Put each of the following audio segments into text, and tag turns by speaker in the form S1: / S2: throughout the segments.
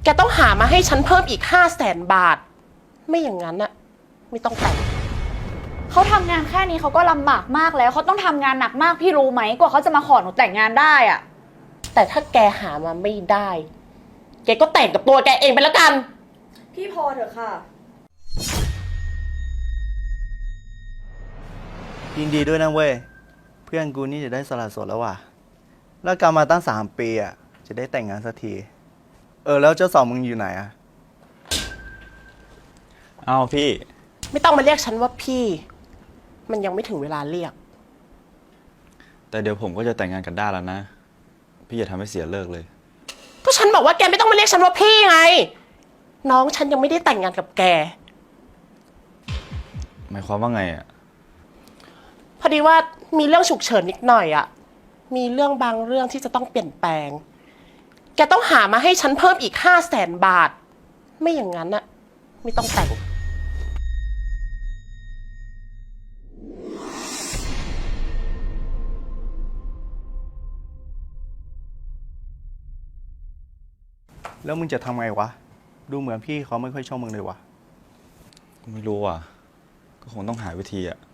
S1: กต้องหามาให้ฉันเพิ่มอีก500,000 บาท ไม่อย่างนั้นอะไม่ต้องแต่ง
S2: เขาทำงานแค่นี้เขาก็ลำบากมากแล้วเขาต้องทำงานหนักมากพี่รู้ไหมกว่าเขาจะมาขอหนูแต่งงานได้อะ
S1: แต่ถ้าแกหามาไม่ได้ แกก็แต่งกับตัวแกเองไปแล้วกัน
S2: พี่พอเถอะค่ะ
S3: ยินดีด้วยนะเว้ยเพื่อนกูนี่จะได้สละโสดแล้วว่ะแล้วกลับมาตั้ง3 ปีอ่ะจะได้แต่งงานสักทีแล้วเจ้าสาวมึงอยู่ไหนอ่ะ
S4: เอาพี่
S1: ไม่ต้องมาเรียกฉันว่าพี่ มันยังไม่ถึงเวลาเรียก
S4: แต่เดี๋ยวผมก็จะแต่งงานกันได้แล้วนะพี่อย่าทำให้เสียเลิกเลย
S1: ก็ฉันบอกว่าแกไม่ต้องมาเรียกฉันว่าพี่ไงน้องฉันยังไม่ได้แต่งงานกับแก
S4: หมายความว่าไงอ่ะ
S1: พอดีว่ามีเรื่องฉุกเฉินนิดหน่อยอะมีเรื่องบางเรื่องที่จะต้องเปลี่ยนแปลงแกต้องหามาให้ฉันเพิ่มอีก500,000 บาท ไม่อย่างนั้นอะไม่ต้องแต่ง
S3: แล้วมึงจะทำไงวะดูเหมือนพี่เขาไม่ค่อยชอบมึงเลยวะ
S4: ไม่รู้อ่ะก็คงต้องหาวิธีอ่ะ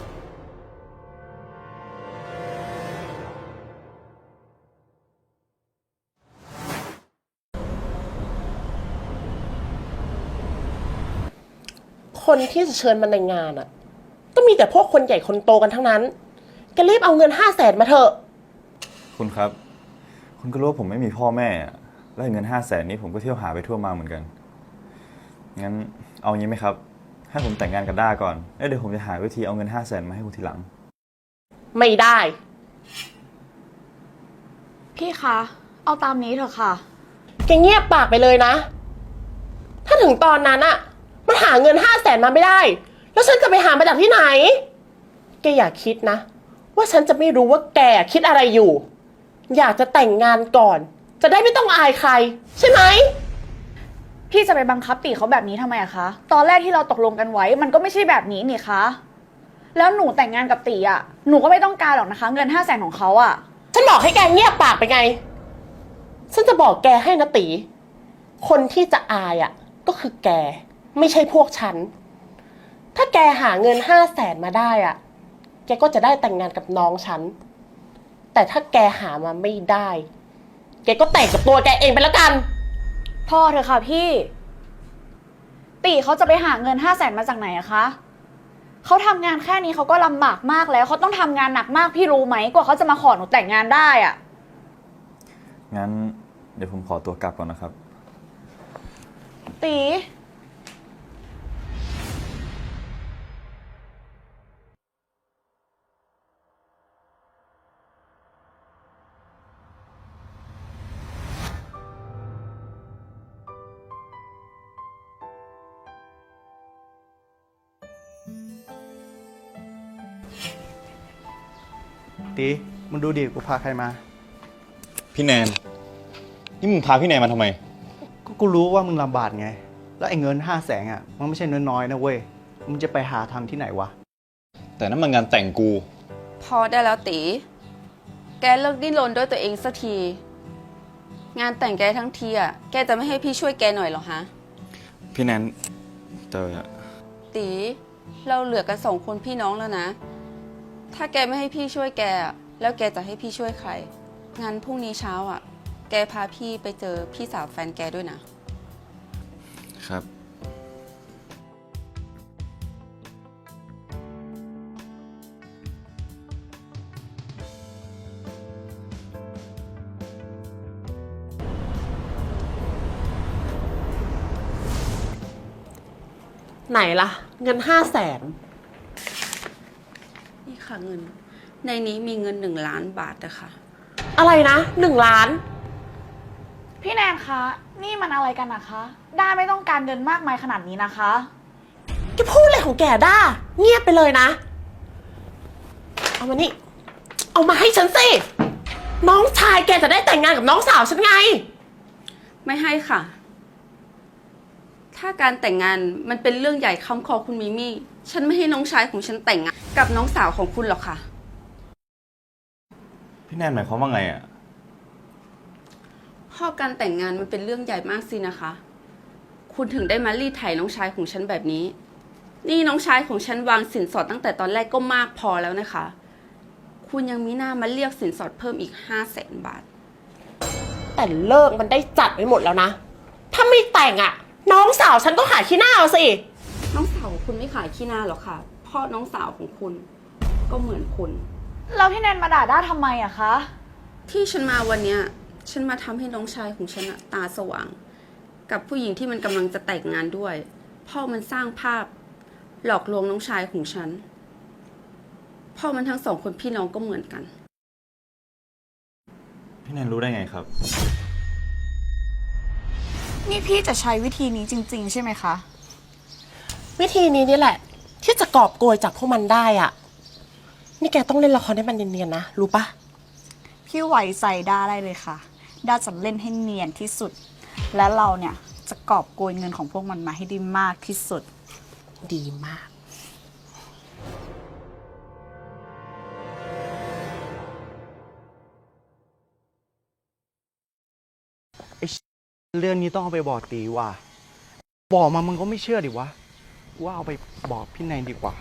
S1: คนที่จะเชิญมาในงานอะก็มีแต่พวกคนใหญ่คนโตกันทั้งนั้นแกรีบเอาเงิน500,000มาเถอะ
S4: คุณครับคุณก็รู้ว่าผมไม่มีพ่อแม่แล้วเงิน500,000นี้ผมก็เที่ยวหาไปทั่วมาเหมือนกันงั้นเอางี้ไหมครับให้ผมแต่งงานกับด้าก่อนแล้วเดี๋ยวผมจะหาวิธีเอาเงิน500,000มาให้คุณทีหลัง
S1: ไม่ได้
S2: พี่คะเอาตามนี้เถอะค่ะ
S1: แกเงียบปากไปเลยนะถ้าถึงตอนนั้นอะมันหาเงิน500,000มาไม่ได้แล้วฉันจะไปหามาจากที่ไหนแกอย่าคิดนะว่าฉันจะไม่รู้ว่าแกคิดอะไรอยู่อยากจะแต่งงานก่อนจะได้ไม่ต้องอายใครใช่ไหม
S2: พี่จะไปบังคับตีเขาแบบนี้ทำไมอะคะตอนแรกที่เราตกลงกันไว้มันก็ไม่ใช่แบบนี้นี่คะแล้วหนูแต่งงานกับตีอะหนูก็ไม่ต้องการหรอกนะคะเงิน500,000ของเขาอะ
S1: ฉันบอกให้แกเงียบปากไปไงฉันจะบอกแกให้นะตีคนที่จะอายอะก็คือแกไม่ใช่พวกฉันถ้าแกหาเงิน500,000มาได้อะแกก็จะได้แต่งงานกับน้องฉันแต่ถ้าแกหามาไม่ได้แกก็แต่งกับตัวแกเองไปแล้วกัน
S2: พอเถอะค่ะพี่ตีเขาจะไปหาเงิน500,000มาจากไหนอะคะเขาทำงานแค่นี้เขาก็ลำบากมากแล้วเขาต้องทำงานหนักมากพี่รู้ไหมกว่าเขาจะมาขอหนูแต่งงานได้อะ
S4: งั้นเดี๋ยวผมขอตัวกลับก่อนนะครับ
S2: ตี
S3: ตีมึงดูดิกูพาใครมา
S4: พี่แนนนี่มึงพาพี่แนนมาทำไม
S3: ก็กูรู้ว่ามึงลำบากไงแล้วไอ้เงิน500,000อ่ะมันไม่ใช่น้อยๆนะเว้ยมึงจะไปหาทำที่ไหนวะ
S4: แต่นั่นมันงานแต่งกู
S5: พอได้แล้วตีแกเลิกดิ้นรนด้วยตัวเองสักทีงานแต่งแกทั้งทีอ่ะแกจะไม่ให้พี่ช่วยแกหน่อยหรอฮะ
S4: พี่แนนแต่
S5: ตีเราเหลือกัน2 คนพี่น้องแล้วนะถ้าแกไม่ให้พี่ช่วยแกแล้วแกจะให้พี่ช่วยใครงั้นพรุ่งนี้เช้าอ่ะแกพาพี่ไปเจอพี่สาวแฟนแกด้วยนะครับ
S1: ไหนล่ะเงิน500,000
S5: นี่ค่ะเงินในนี้มีเงิน1,000,000 บาทนะคะ
S1: อะไรนะ1,000,000
S2: พี่แนนคะนี่มันอะไรกันนะคะด้าไม่ต้องการเงินมากมายขนาดนี้นะคะ
S1: แกพูดอะไรของแกด้าเงียบไปเลยนะเอามานี่เอามาให้ฉันสิน้องชายแกจะได้แต่งงานกับน้องสาวฉันไง
S5: ไม่ให้ค่ะถ้าการแต่งงานมันเป็นเรื่องใหญ่คำคอคุณมิมี่ฉันไม่ให้น้องชายของฉันแต่งงานกับน้องสาวของคุณหรอกค่ะ
S4: พี่แนนหมายความว่าไงอ่ะ
S5: พ่อการแต่งงานมันเป็นเรื่องใหญ่มากสินะคะ คุณถึงได้มารีดไถน้องชายของฉันแบบนี้ นี่น้องชายของฉันวางสินสอดตั้งแต่ตอนแรกก็มากพอแล้วนะคะ คุณยังมีหน้ามาเรียกสินสอดเพิ่มอีก500,000 บาท
S1: แต่เลิกมันได้จัดไว้หมดแล้วนะ ถ้าไม่แต่งอะน้องสาวฉันก็ขายขี้หน้าเอาสิ
S5: น้องสาวของคุณไม่ขายขี้หน้าหรอกค่ะเพ่อน้องสาวของคุณก็เหมือนคุณ
S2: แล้วพี่แนนมาด่าด้าทำไมอะคะ
S5: ที่ฉันมาวันเนี้ยฉันมาทำให้น้องชายของฉันอะตาสว่าง กับผู้หญิงที่มันกำลังจะแต่งงานด้วย พ่อมันสร้างภาพ หลอกลวงน้องชายของฉัน พ่อมันทั้งสองคนพี่น้องก็เหมือนกัน
S4: พี่แนนรู้ได้ไงครับ
S2: นี่พี่จะใช้วิธีนี้จริงๆใช่ไหมคะ
S1: วิธีนี้นี่แหละ ที่จะกอบโกยจากพวกมันได้อะนี่แกต้องเล่นละครให้มันเนียนๆนะ รู้ปะ
S2: พี่ไหวใส่ด้าได้เลยค่ะ ด้าจะเล่นให้เนียนที่สุด และเราเนี่ยจะกอบโกยเงินของพวกมันมาให้ได้มากที่สุด
S1: ดีมาก
S3: เรื่องนี้ต้องเอาไปบอกตีว่ะ บอกมามึงก็ไม่เชื่อดิวะ ว่าเอาไปบอกพี่แนนดีกว่า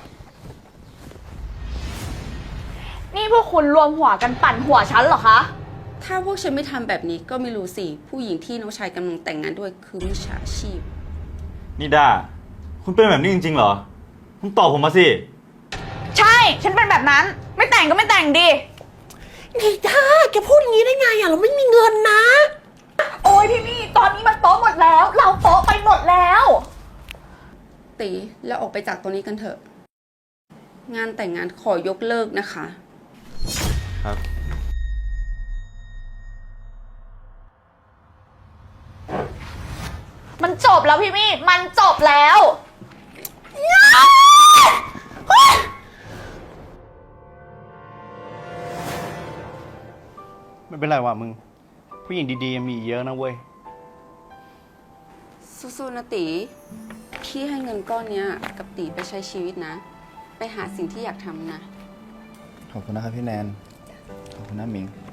S2: นี่พวกคุณรวมหัวกันปั่นหัวฉันเหรอคะ
S5: ถ้าพวกฉันไม่ทำแบบนี้ก็ไม่รู้สิ ผู้หญิงที่น้องชายกำลังแต่งงานด้วยคือมิจฉาชีพ
S4: นี่ด้า คุณเป็นแบบนี้จริงๆเหรอ คุณตอบผมมาสิ
S2: ใช่ ฉันเป็นแบบนั้น ไม่แต่งก็ไม่แต่งดิ
S1: นี่ท่าแกพูดอย่างนี้ได้ไงอะเราไม่มีเงินนะ
S2: โอ้ยพี่มี่ตอนนี้มันโต๊ะหมดแล้ว เราโต๊ะไปหมดแล้ว
S5: ตีแล้วออกไปจากตรงนี้กันเถอะ งานแต่งงานขอยกเลิกนะคะ
S4: ครับ
S2: มันจบแล้วพี่มี่ มันจบแล้ว
S3: ไม่เป็นไรว่ะมึง ผู้หญิงดีๆยังมีอีกเยอะนะเว้ย
S5: สู้ๆนะตีพี่ให้เงินก้อนเนี้ยกับตีไปใช้ชีวิตนะ ไปหาสิ่งที่อยากทำนะ
S3: ขอบคุณนะครับพี่แนน ขอบคุณนะมิง